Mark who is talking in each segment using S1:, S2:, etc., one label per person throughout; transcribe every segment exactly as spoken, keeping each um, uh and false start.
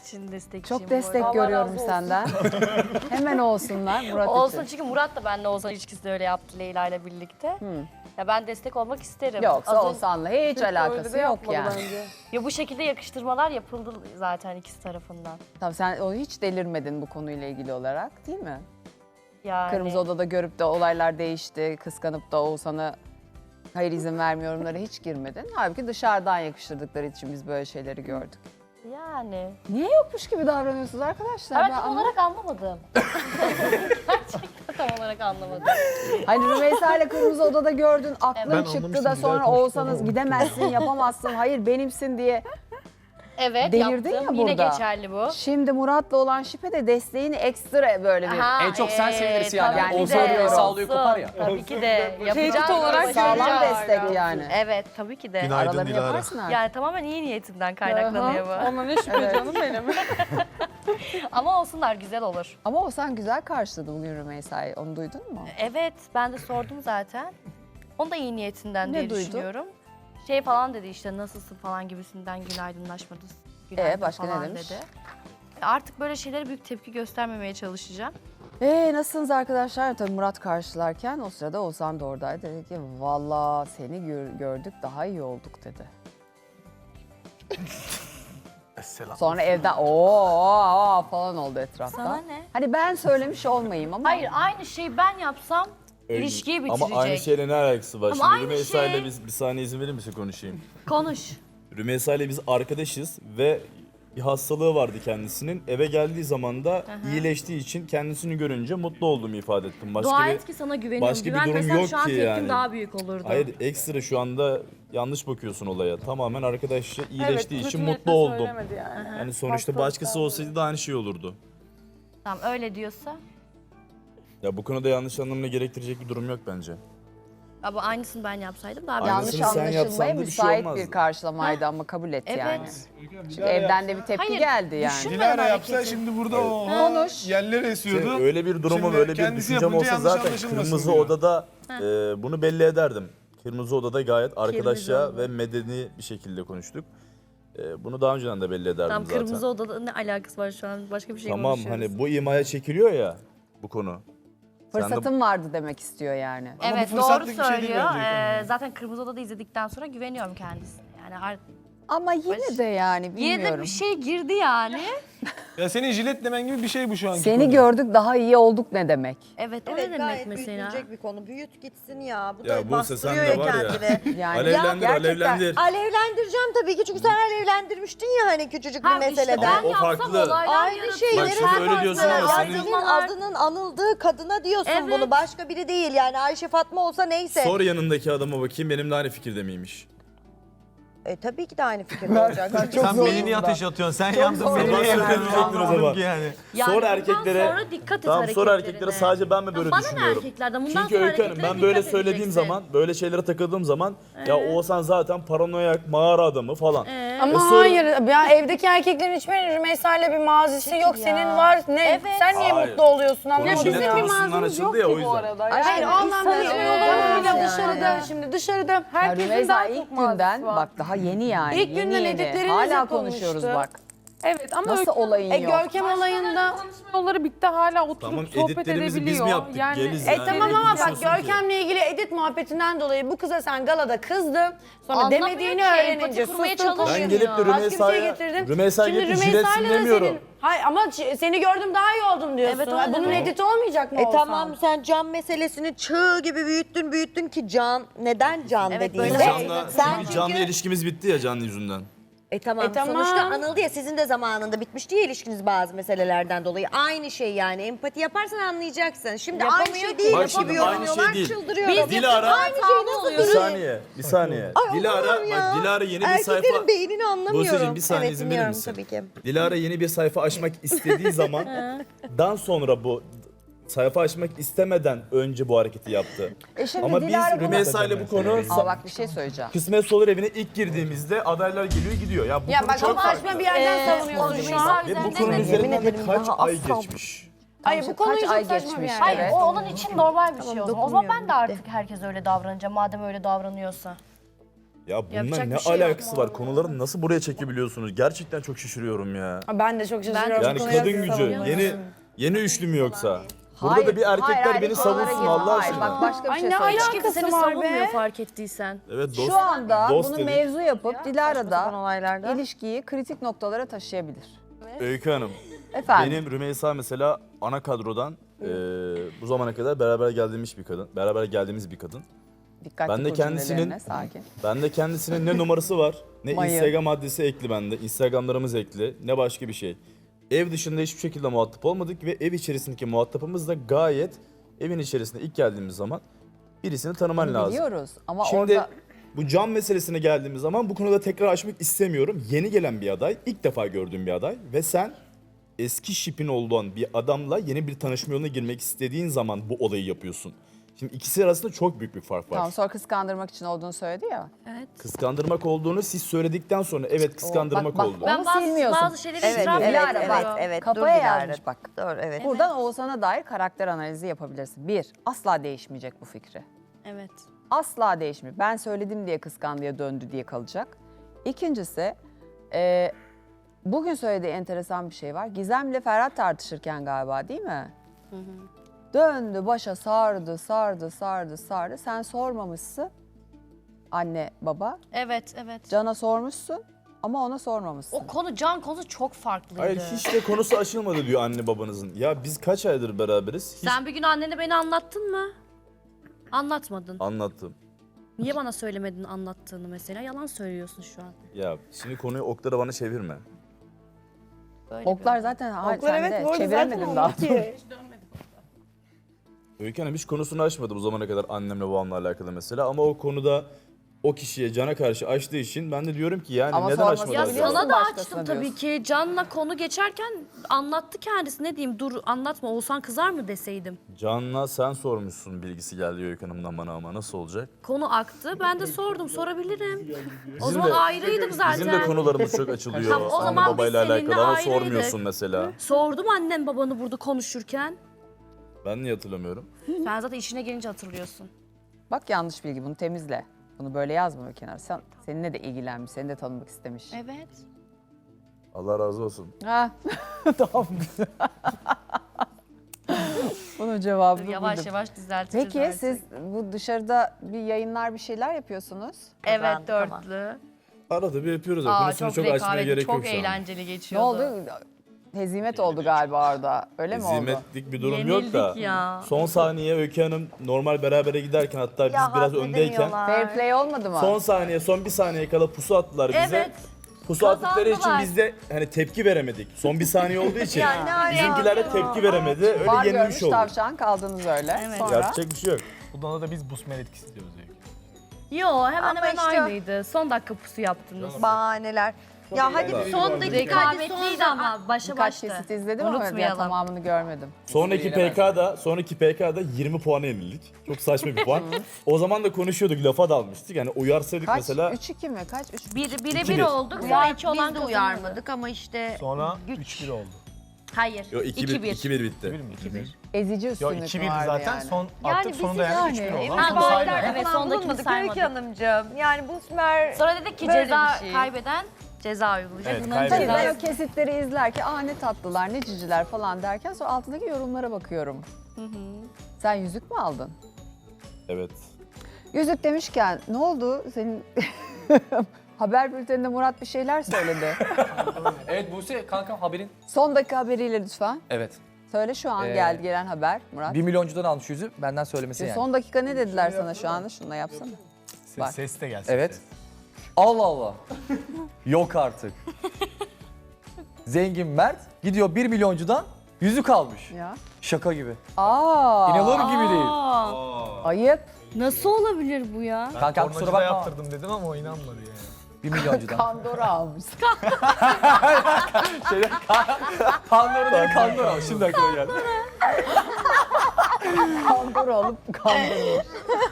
S1: için destekçiyim.
S2: Çok destek
S1: bu arada.
S2: görüyorum senden. Hemen olsunlar Murat
S1: Olsun
S2: için.
S1: çünkü Murat da benimle Oğuzhan ilişkisi de öyle yaptı Leyla ile birlikte. Ya ben destek olmak isterim.
S2: Yoksa
S1: Az ön-
S2: Oğuzhan'la hiç alakası yok yani.
S1: Ya bu şekilde yakıştırmalar yapıldı zaten ikisi tarafından.
S2: Tamam, sen o hiç delirmedin bu konuyla ilgili olarak değil mi?
S1: Yani.
S2: Kırmızı Oda'da görüp de olaylar değişti, kıskanıp da Oğuzhan'a hayır izin vermiyorumlara hiç girmedin. Halbuki dışarıdan yakıştırdıkları için biz böyle şeyleri gördük.
S1: Yani.
S2: Niye yokmuş gibi davranıyorsunuz arkadaşlar?
S1: Ben
S2: Ben
S1: tam
S2: anlamadım.
S1: olarak anlamadım. Gerçekten tam olarak anlamadım.
S2: Hani Rümeysa ile Kırmızı Oda'da gördün, aklın
S3: Ben
S2: çıktı
S3: anlamıştım,
S2: da
S3: güzel
S2: sonra
S3: konuştu
S2: Oğuzhan'ız
S3: ama.
S2: gidemezsin, yapamazsın, hayır benimsin diye.
S1: Evet
S2: Delirdin
S1: yaptım.
S2: ya
S1: Yine
S2: burada.
S1: geçerli bu.
S2: Şimdi Murat'la olan şipe de desteğini ekstra böyle bir...
S1: Aha,
S4: En çok sen
S1: ee,
S4: sevinirsin yani.
S1: tabii ki
S2: Oğuzhan
S1: de,
S2: Rümeysa
S4: sağlıyor,
S1: olsun.
S4: kopar ya.
S1: Tabii ki de. Yapacağız.
S5: Tehdit olarak
S1: başaracağız.
S2: Sağlam destek yani.
S1: Evet tabii ki de.
S3: Günaydın
S2: Aralarını
S3: Dilara.
S2: yaparsın artık.
S1: Yani tamamen iyi niyetinden kaynaklanıyor bu.
S5: Ona ne şüphe canım benim.
S1: Ama olsunlar güzel olur.
S2: Ama Oğuzhan güzel karşıladı bugün Rümeysa'yı. Onu duydun mu?
S1: Evet ben de sordum zaten. Onu da iyi niyetinden
S2: Ne
S1: diye
S2: duydun?
S1: düşünüyorum. Şey falan dedi işte nasılsın falan gibisinden günaydınlaşmadı. Günaydın
S2: Ee, başka ne
S1: falan
S2: demiş?
S1: dedi. Artık böyle şeylere büyük tepki göstermemeye çalışacağım.
S2: Ee nasılsınız arkadaşlar? Tabii Murat karşılarken o sırada Oğuzhan da oradaydı. Dedi ki valla seni gör- gördük daha iyi olduk dedi.
S3: Selam.
S2: Sonra evden ooo falan oldu etrafta.
S1: Sana ne?
S2: Hani ben söylemiş olmayayım ama.
S1: Hayır aynı şeyi ben yapsam ilişkiyi bitirecek.
S6: Ama aynı şeyle ne alakası var?
S1: Ama
S6: Şimdi
S1: aynı
S6: Rümeysa
S1: şey.
S6: ile biz bir saniye izin verir misin konuşayım?
S1: Konuş.
S6: Rümeysa ile biz arkadaşız ve bir hastalığı vardı kendisinin. Eve geldiği zaman da iyileştiği için kendisini görünce mutlu olduğumu ifade ettim. Başka
S1: Dua
S6: bir
S1: et ki sana güveniyorum.
S6: başka bir durum
S1: Güvenmesem
S6: yok
S1: şu an
S6: ki
S1: tepkim
S6: yani.
S1: daha büyük olurdu.
S6: Hayır, ekstra şu anda yanlış bakıyorsun olaya. Tamamen arkadaşça iyileştiği
S5: Evet,
S6: için
S5: kötü
S6: mutlu
S5: niyetle
S6: oldum.
S5: söylemedi yani.
S6: Yani sonuçta başkası olsaydı da aynı şey olurdu.
S1: Tamam öyle diyorsa.
S6: Ya bu konuda yanlış anlamına gerektirecek bir durum yok bence.
S1: Ama aynısını ben yapsaydım daha bir
S2: Yanlış
S6: Aynısını sen yapsan
S2: anlaşılmaya
S6: da bir şey
S2: müsait
S6: olmazdı.
S2: bir karşılamaydı ama kabul et
S1: Evet.
S2: yani. Çünkü evden de bir tepki
S1: Hayır,
S2: geldi yani.
S1: düşün-
S3: Dilara
S1: Hareketi.
S3: yapsa şimdi burada o
S2: Konuş.
S3: yerlere esiyordu.
S6: Şey, öyle bir duruma
S3: Şimdi
S6: böyle bir
S3: kendisi
S6: düşüncem
S3: yapınca
S6: olsa
S3: yanlış
S6: zaten
S3: anlaşılmasın
S6: Kırmızı
S3: diyor.
S6: Oda'da e, bunu belli ederdim. Kırmızı Oda'da gayet arkadaşça
S1: Oda.
S6: ve medeni bir şekilde konuştuk. E, bunu daha önceden de belli ederdim
S1: Tamam
S6: zaten.
S1: kırmızı odada ne alakası var şu an başka bir şey
S6: Tamam
S1: konuşuyoruz.
S6: hani bu imaya çekiliyor ya bu konu. Sen de-
S2: Fırsatım vardı demek istiyor yani.
S3: Ama bu
S1: Evet doğru
S3: fırsatlık bir şey değil
S1: söylüyor.
S3: bence.
S1: Ee, zaten Kırmızı Oda'da izledikten sonra güveniyorum kendisine. Yani ar-
S2: Ama yine de yani
S1: yine
S2: bilmiyorum.
S1: de bir şey girdi yani.
S3: Ya senin jilet demen gibi bir şey bu şu anki
S2: Seni
S3: konu.
S2: gördük daha iyi olduk ne demek?
S1: Evet o
S7: Evet
S1: ne demek
S7: gayet
S1: mesela?
S7: büyütülecek bir konu. Büyüt gitsin ya. Bu
S6: Ya
S7: da
S6: Buse, sen
S7: bastırıyor
S6: de
S7: ya
S6: var ya.
S7: kendini.
S2: Yani
S6: Alevlendir,
S7: gerçekten
S6: alevlendir.
S7: Alevlendireceğim tabii ki çünkü sen alevlendirmiştin ya hani küçücük bir
S1: Ha, işte
S7: meseleden.
S1: ben
S6: O
S1: yapsam
S6: farklı.
S1: olaylar
S7: Aynı
S1: yaratıyor.
S7: şeyleri
S6: Bak şimdi öyle diyorsun
S7: ya
S6: ama senin-
S7: senin adının anıldığı kadına diyorsun
S1: Evet.
S7: bunu. Başka biri değil yani Ayşe Fatma olsa neyse.
S6: Sor yanındaki adama bakayım benimle aynı fikirde miymiş?
S7: E, tabii ki de aynı fikirde olacak. Çünkü
S3: Sen
S7: zor-
S3: beni niye ateş atıyorsun? Sen yandın
S2: zor
S3: beni
S2: bir
S3: niye
S2: şey
S3: yakıyorsun?
S6: söyleyecektin o
S3: Anlamadım
S6: zaman.
S3: ki yani.
S1: Yani
S6: Sor
S1: bundan
S6: erkeklere.
S1: sonra dikkat et
S6: Tamam sor
S1: hareketlerine.
S6: erkeklere sadece ben mi böyle
S1: Bana ne
S6: düşünüyorum?
S1: erkeklerden? Bundan
S6: Çünkü
S1: sonra
S6: Öykü Hanım ben
S1: hareketlere
S6: böyle
S1: dikkat
S6: söylediğim
S1: edeceksin.
S6: zaman, böyle şeylere takıldığım zaman ya Oğuzhan zaten paranoyak, mağara adamı falan.
S8: Ama
S6: E sonra-
S8: hayır, ya evdeki erkeklerin hiçbirinin Rümeysa ile bir mazisi yok.
S1: ya.
S8: Senin var. Ne?
S1: Evet.
S8: Sen niye
S6: Hayır.
S8: mutlu oluyorsun?
S6: Konu
S8: Anlamadım.
S6: jilet
S8: ya.
S6: konusundan açıldı ya o yüzden.
S8: Hayır, o anlamda
S2: İnsan
S8: değil.
S2: olmaz
S8: Öyle
S2: yani.
S8: dışarıda, şimdi dışarıda
S2: Ya
S8: herkesin
S2: Rümeysa
S8: daha
S2: ilk
S8: çok mazisi
S2: günden
S8: var.
S2: bak daha yeni yani.
S8: İlk
S2: yeni
S8: günden
S2: yeni.
S8: editleriniz
S2: Hala
S8: yapılmıştı.
S2: konuşuyoruz bak.
S5: Evet ama
S2: Nasıl
S5: Öykü-
S2: olayın
S8: E
S2: yok?
S8: Görkem olayında...
S5: yolları bitti hala oturup
S6: Tamam,
S5: sohbet
S6: editlerimizi biz mi
S5: edebiliyor.
S6: yaptık? Geliz
S8: E
S6: yani.
S8: tamam
S6: Evet,
S8: ama
S6: konuşuyorsun
S8: bak
S6: ki.
S8: Görkem'le ilgili edit muhabbetinden dolayı bu kıza sen galada kızdın. Sonra
S1: Anlamıyor
S8: demediğini
S1: ki,
S8: öğrenince
S1: empati kurmaya
S8: sustun
S1: çalışmıyor.
S6: Ben gelip de
S8: Başka bir şey
S6: Rümeysa'ya,
S8: getirdin.
S6: Rümeysa'ya
S8: Şimdi
S6: gelip
S8: Rümeysa'yla
S6: jiletsin
S8: da
S6: demiyorum.
S8: senin- Hayır ama ç- seni gördüm daha iyi oldum diyorsun.
S1: Evet,
S8: Ha,
S1: öyle
S8: Bunun
S1: demek.
S8: editi olmayacak mı
S7: E
S8: Oğuzhan?
S7: tamam sen can meselesini çığ gibi büyüttün büyüttün ki can neden can
S1: Evet,
S7: dediğinde
S1: böyle
S6: Can'la,
S7: sen
S6: çünkü canlı
S7: çünkü
S6: ilişkimiz bitti ya Can yüzünden.
S7: E tamam,
S8: E tamam.
S7: sonuçta anıldı ya sizin de zamanında bitmişti ya ilişkiniz bazı meselelerden dolayı. Aynı şey yani empati yaparsan anlayacaksın. Şimdi aynı
S1: Yapamıyor
S7: şey
S1: ki,
S7: değil
S6: Bak
S7: gibi
S6: şimdi aynı
S7: yorumluyorlar
S6: şey değil.
S7: çıldırıyorum.
S1: Biz
S6: Dilara-
S7: Aynı şey nasıl
S6: Bir
S7: duruyor?
S6: saniye, bir saniye.
S7: Ay,
S6: Dilara,
S7: Allah'ım ya.
S6: bak Dilara yeni bir
S7: Erkeklerin
S6: sayfa...
S7: beynini anlamıyorum.
S6: Buse'cim bir saniye
S7: evet,
S6: izin verir
S7: dinliyorum
S6: misin?
S7: tabii ki.
S6: Dilara yeni bir sayfa açmak istediği zaman dan sonra bu sayfa açmak istemeden önce bu hareketi yaptı.
S2: E şimdi
S6: Ama
S2: Dilara
S6: biz
S2: bunu-
S6: Rümeysa ile bu konu
S2: Aa bak bir şey söyleyeceğim.
S6: kısmet olur evine ilk girdiğimizde adaylar geliyor gidiyor. Ya bu
S8: Ya
S6: konu
S8: bak
S6: çok
S8: ama
S6: farklı.
S8: saçma bir yerden savunuyorsun şu an.
S6: Ve bu
S1: Üzerinde
S6: konunun
S1: de-
S6: üzerinden de
S7: ederim
S6: kaç
S7: daha
S6: ay
S7: asla-
S6: geçmiş.
S8: Hayır bu
S2: Kaç
S8: konu çok
S2: ay
S8: saçma bir
S2: geçmiş,
S8: yer.
S1: Hayır
S2: Evet.
S1: o onun için normal bir şey o zaman. O zaman ben de
S7: dokunmuyorum,
S1: artık herkes öyle davranacağım madem öyle davranıyorsa.
S6: Ya bununla
S1: Yapacak
S6: ne
S1: bir şey yok.
S6: alakası var? Konuları nasıl buraya çekebiliyorsunuz? Gerçekten çok şaşırıyorum ya.
S8: Ben de çok şaşırıyorum.
S6: Yani
S8: bu konuya.
S6: kadın gücü. Yeni yeni üçlü mü yoksa? Burada
S2: Hayır,
S6: da bir erkekler
S2: hayır, hayır,
S6: beni
S2: hiç oralara
S6: savunsun
S2: girme.
S6: Allah
S2: Hayır,
S6: aşkına.
S2: bak başka bir
S5: Ay,
S2: şey
S5: ne
S2: söyleyeceğim.
S1: Kimse
S5: alakası
S1: seni
S5: var
S1: savunmuyor
S5: be?
S1: fark ettiysen.
S6: Evet dost.
S2: Şu anda
S6: dost
S2: bunu
S6: dedik.
S2: mevzu yapıp Dilara
S7: sapan
S2: da
S7: olaylarda.
S2: ilişkiyi kritik noktalara taşıyabilir.
S6: Öykü Hanım.
S2: Efendim.
S6: Benim Rümeysa mesela ana kadrodan eee, bu zamana kadar beraber geldiğimiz bir kadın. Beraber geldiğimiz bir kadın.
S2: Dikkatli
S6: Ben de
S2: kur
S6: kendisinin-
S2: cümlelerine, sakin.
S6: Ben de kendisinin ne numarası var, ne
S2: Mayı.
S6: Instagram adresi ekli bende. Instagramlarımız ekli, ne başka bir şey. Ev dışında hiçbir şekilde muhatap olmadık ve ev içerisindeki muhatapımız da gayet evin içerisinde ilk geldiğimiz zaman birisini tanıman
S2: Bunu
S6: lazım.
S2: biliyoruz ama
S6: Şimdi
S2: orada
S6: bu cam meselesine geldiğimiz zaman bu konuda tekrar açmak istemiyorum. Yeni gelen bir aday, ilk defa gördüğüm bir aday ve sen eski şipin olduğun bir adamla yeni bir tanışma yoluna girmek istediğin zaman bu olayı yapıyorsun. Şimdi ikisi arasında çok büyük bir fark var.
S2: tamam sonra kıskandırmak için olduğunu söyledi ya.
S1: Evet.
S6: Kıskandırmak olduğunu siz söyledikten sonra evet kıskandırmak
S2: bak, bak,
S6: oldu.
S1: Ben
S2: Onu
S1: bazı,
S2: silmiyorsun.
S1: bazı şeyleri
S7: Evet,
S1: itiraf
S7: evet,
S2: Dilara,
S1: ediyorum.
S2: bak,
S7: evet.
S2: Kafaya
S7: dur Dilara.
S2: yazmış bak.
S7: Doğru, evet.
S2: Buradan Oğuzhan'a dair karakter analizi yapabilirsin. Bir, asla değişmeyecek bu fikri.
S1: Evet.
S2: Asla değişmiyor. Ben söyledim diye kıskandıya döndü diye kalacak. İkincisi, e, bugün söylediği enteresan bir şey var. Gizem'le Ferhat tartışırken galiba değil mi? Döndü başa sardı, sardı, sardı, sardı. Sen sormamışsın. Anne, baba.
S1: Evet, evet.
S2: Can'a sormuşsun ama ona sormamışsın.
S1: O konu, can konusu çok farklıydı.
S6: Hayır hiç de konusu açılmadı diyor anne babanızın. Ya biz kaç aydır beraberiz? Hiç
S1: Sen bir gün annene beni anlattın mı? Anlatmadın.
S6: anlattım.
S1: Niye bana söylemedin anlattığını mesela? Yalan söylüyorsun şu an.
S6: Ya şimdi konuyu oklara bana çevirme.
S1: Böyle
S2: Oklar
S1: bir-
S2: zaten hayır,
S8: Oklar
S2: sen
S8: evet
S2: de
S8: bu arada
S2: çeviremedin
S8: zaten
S2: daha.
S8: oldu ki.
S6: Öykü Hanım hiç konusunu açmadı bu zamana kadar annemle babamla alakalı mesela. Ama o konuda o kişiye Can'a karşı açtığı için ben de diyorum ki yani
S2: Ama
S6: neden
S2: sorması
S6: açmadı
S1: Ya
S2: Biliyorsun
S6: acaba?
S1: sana da
S2: başkasına
S1: açtım tabii
S2: diyorsun.
S1: ki. Can'la konu geçerken anlattı kendisi. Ne diyeyim, dur anlatma Oğuzhan kızar mı deseydim.
S6: Can'la sen sormuşsun bilgisi geldi Öykü Hanım'dan bana ama nasıl olacak?
S1: Konu aktı. Ben de sordum, sorabilirim. o
S6: Bizim
S1: zaman
S6: de-
S1: ayrıydık zaten.
S6: Bizim de konularımız çok açılıyor
S1: Tamam, o
S6: anne
S1: zaman biz
S6: babayla
S1: seninle
S6: alakalı ama
S1: ayrıydık.
S6: sormuyorsun mesela.
S1: Sordum annem babanı burada konuşurken.
S6: Ben niye hatırlamıyorum?
S1: Sen zaten işine gelince hatırlıyorsun.
S2: Bak yanlış bilgi, bunu temizle. Bunu böyle yazma bir kenara. Sen, seninle de ilgilenmiş, seni de tanımak istemiş.
S1: Evet.
S6: Allah razı olsun.
S2: Ha, tamam. Bunun cevabını
S1: Yavaş
S2: buldum.
S1: yavaş düzelteceğiz
S2: Peki
S1: artık.
S2: siz bu dışarıda bir yayınlar bir şeyler yapıyorsunuz.
S1: Evet,
S7: Kazandık ama.
S1: dörtlü.
S6: Arada bir yapıyoruz ya
S1: Aa,
S6: konusunu
S1: çok,
S6: çok, açmaya
S1: rekabetli,
S6: gerek
S1: çok
S6: yok şu an.
S1: eğlenceli
S2: Ne
S1: geçiyordu.
S2: oldu? Hezimet oldu galiba orada. Öyle mi oldu?
S6: Hizmetlik bir durum yok da.
S1: Yenildik ya.
S6: Son saniye Öykü Hanım normal berabere giderken hatta biz biraz öndeyken
S2: Fair play olmadı mı?
S6: son saniye son bir saniye kala pusu attılar bize.
S1: Evet.
S6: Pusu attıkları için
S1: Kazandılar.
S6: biz de hani tepki veremedik. Son bir saniye olduğu için
S7: Ya ne alaka?
S6: bizimkiler de tepki veremedi. Öyle
S2: Var görmüş
S6: yenilmiş olduk.
S2: tavşan kaldınız öyle.
S1: Evet.
S2: Sonra
S6: Yapacak bir şey yok.
S3: Bundan da biz busmer etkisi diyoruz Öykü.
S1: Yo, hemen
S7: Ama
S1: hemen
S7: işte-
S1: aynıydı. Son dakika pusu yaptınız.
S7: Bahaneler. Ya hadi bir son dakika, hadi son
S1: Rekabetliydi ama başa
S2: birkaç
S1: başta.
S2: kesit izledim ama
S1: Unutmayalım.
S2: ya tamamını görmedim.
S6: Sonraki P K'da, sonraki P K'da yirmi puana yenildik. Çok saçma bir puan. O zaman da konuşuyorduk, lafa dalmıştık. Yani uyarsaydık
S2: Kaç?
S6: mesela
S2: üç iki mi? Kaç? üç
S1: Bir, bire
S6: İki
S1: bir
S6: bir.
S1: olduk. Sonra
S7: Uyar,
S1: iki olan
S7: biz de
S1: kazandı.
S7: uyarmadık ama işte
S3: Sonra
S7: güç.
S3: üç bir oldu.
S1: Hayır.
S6: Yo, iki bir, iki bir bitti.
S3: bir mi? iki bir.
S2: Ezici
S3: Yo
S2: üstünlük
S3: iki birdi
S2: vardı
S3: zaten.
S2: yani.
S3: Son
S7: Yani
S3: attık sonunda
S7: bizim
S3: yani üç
S2: yani
S3: bir oldu.
S2: emin
S3: Ama
S1: Ha,
S3: sonu
S1: doğru,
S3: saymadık.
S1: evet,
S7: Evet,
S1: sondakini
S7: bulunmadık
S1: saymadık.
S7: Öykü Hanımcığım. Yani bu Sümer
S1: Sonra dedik ki
S7: Böyle
S1: ceza
S7: bir şey.
S1: kaybeden ceza uygulayacak.
S3: Evet,
S1: Bunların
S3: kaybeden.
S2: Tabii ben
S1: cezası.
S2: o kesitleri izlerken aa ne tatlılar, ne ciciler falan derken sonra altındaki yorumlara bakıyorum. Sen yüzük mü aldın?
S6: Evet.
S2: Yüzük demişken ne oldu? Senin haber bülteninde Murat bir şeyler söyledi.
S4: Evet Buse kankam haberin.
S2: Son dakika haberiyle lütfen.
S4: Evet.
S2: Söyle şu an
S4: Ee,
S2: geldi gelen haber Murat.
S4: Bir milyoncudan almış yüzü benden söylemesi
S2: Şimdi
S4: yani.
S2: Son dakika ne dediler sana şu anda? Şununla yapsana.
S3: Ses,
S2: Bak.
S3: ses de gelsin.
S4: Evet.
S3: ses.
S4: Allah Allah. Yok artık. Zengin Mert gidiyor bir milyoncudan yüzük almış.
S2: Ya.
S4: Şaka gibi.
S2: Aa.
S4: İnanılır gibi değil.
S1: Aa,
S2: Ayıp.
S1: nasıl olabilir bu ya?
S3: Ben
S4: Kankam kusura
S3: tornacıda
S4: bakma.
S3: yaptırdım dedim ama o inanmadı yani.
S4: Bir milyoncudan.
S2: Kandora almış.
S4: Şeyde, Kandora dedi Kandora. Şimdi aklıma geldi.
S2: Kandora alıp kandırmış.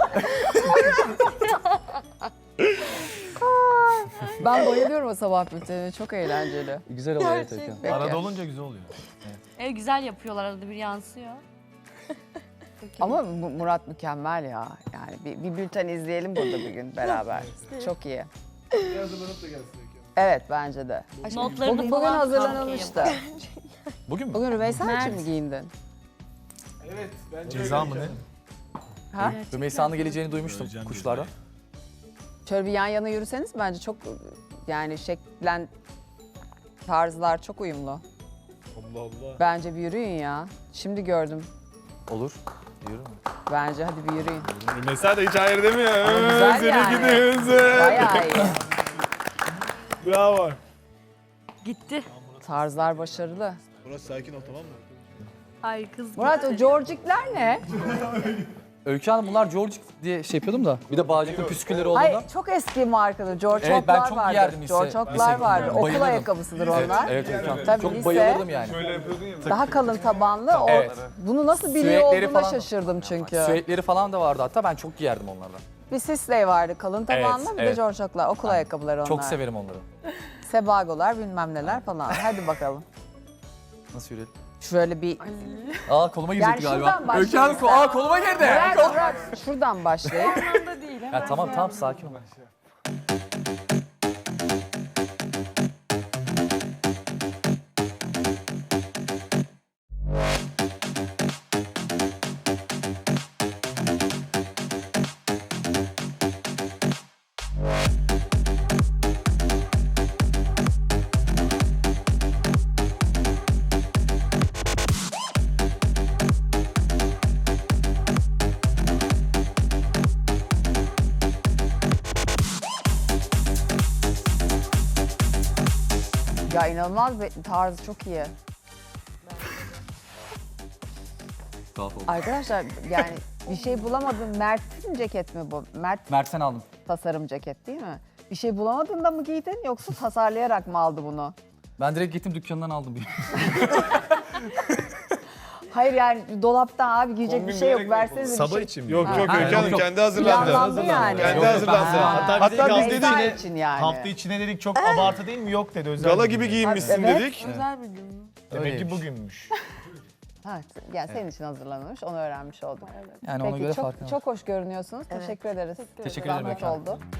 S2: Ben bayılıyorum o sabah bültenine. Çok eğlenceli.
S4: Güzel oluyor evet Öykü.
S2: Peki.
S3: Arada olunca güzel oluyor.
S1: E, güzel yapıyorlar, arada bir yansıyor.
S2: Ama Mu- Murat mükemmel ya. Yani bir, bir bülten izleyelim burada bir gün beraber. Çok iyi. Evet bence de.
S1: Notlarını
S2: Bugün, bugün
S1: falan
S2: hazırlanılmıştı.
S4: Bugün mü?
S2: Bugün Rümeysa için mi giyindin?
S3: Ceza mı ne?
S2: Ha?
S4: Rümeysa'nın geleceğini duymuştum kuşlardan.
S2: Şöyle bir yan yana yürüseniz bence çok yani şeklen tarzlar çok uyumlu.
S6: Allah Allah.
S2: Bence bir yürüyün ya. Şimdi gördüm.
S4: Olur. Yürü mü?
S2: Bence hadi bir yürüyün.
S6: Mesela da hiç hayır demiyor.
S2: Ama güzel
S6: Seni
S2: yani.
S6: gidiyorsun.
S2: Bayağı iyi.
S6: Bravo.
S1: Gitti.
S2: Tarzlar başarılı.
S6: Burası sakin ol, tamam mı?
S1: Ay kız
S2: Murat o
S1: gitti.
S2: Georgikler ne?
S4: Öykü Hanım bunlar George diye şey yapıyordum da. Bir de bağcıklı püskülleri olduğunda.
S2: Hayır çok eski markalı George
S4: Evet, ben
S2: Hop'lar
S4: çok
S2: vardı.
S4: giyerdim lise-
S2: George Hop'lar
S4: lise
S2: vardı.
S4: günlerinde.
S2: Okul
S4: Bayılırdım.
S2: ayakkabısıdır
S4: Evet,
S2: onlar.
S4: evet Öykü Hanım.
S2: Tabii
S4: Çok
S2: lise.
S4: bayılırdım yani.
S2: Daha kalın tabanlı. O,
S4: Evet.
S2: Bunu nasıl biliyor
S4: Sürekleri
S2: olduğuna
S4: falan-
S2: şaşırdım çünkü.
S4: Süetleri falan da vardı hatta ben çok giyerdim onlardan.
S2: Bir Sisley vardı kalın tabanlı
S4: Evet,
S2: bir de
S4: evet.
S2: George Hop'lar. Okul ayakkabıları onlar.
S4: Çok severim onları.
S2: Sebagolar bilmem neler falan. Hadi bakalım.
S4: Nasıl yürüyelim?
S2: Şöyle bir...
S4: Aa koluma girecekti
S2: Yani
S4: galiba.
S2: şuradan
S4: Öykü Hanım
S2: başlayalım.
S4: aa koluma girdi.
S2: Bırak, bırak. Şuradan başlayayım.
S4: Ya tamam tamam sakin ol.
S2: Ya inanılmaz bir tarzı çok iyi.
S4: Tuhaf oldu.
S2: Arkadaşlar yani bir şey bulamadım. Mert'in ceket mi bu? Mert
S4: Mert'ten aldım.
S2: tasarım ceket değil mi? Bir şey bulamadın da mı giydin yoksa tasarlayarak mı aldı bunu?
S4: Ben direkt gittim dükkanından aldım.
S2: Hayır yani dolaptan abi giyecek bir şey yok. Versenize bir
S3: Sabah
S2: şey.
S3: için mi?
S6: Yok yok
S2: Ha,
S6: Öykü Hanım
S4: yok.
S6: kendi hazırlandı.
S2: Planlandı yani.
S6: Kendi
S4: Yok,
S6: hazırlandı.
S2: Ha.
S6: Hatta, Hatta biz
S2: Rümeysa
S6: dedik
S2: için yani.
S3: Hafta içine dedik çok abartı değil mi? Yok dedi. Özel
S6: gala
S3: bir
S6: gibi
S3: gün.
S6: giyinmişsin
S2: Evet.
S6: dedik.
S5: Özel bir gün mü?
S3: Demek ki
S4: Öyleymiş.
S3: bugünmüş.
S2: Ha, yani senin için hazırlanmış, onu öğrenmiş olduk.
S4: Yani ona
S2: Peki
S4: göre
S2: çok
S4: farkı var.
S2: çok hoş görünüyorsunuz. Teşekkür ederiz.
S4: Teşekkür ederim
S2: Zahmet
S4: efendim.
S2: oldu.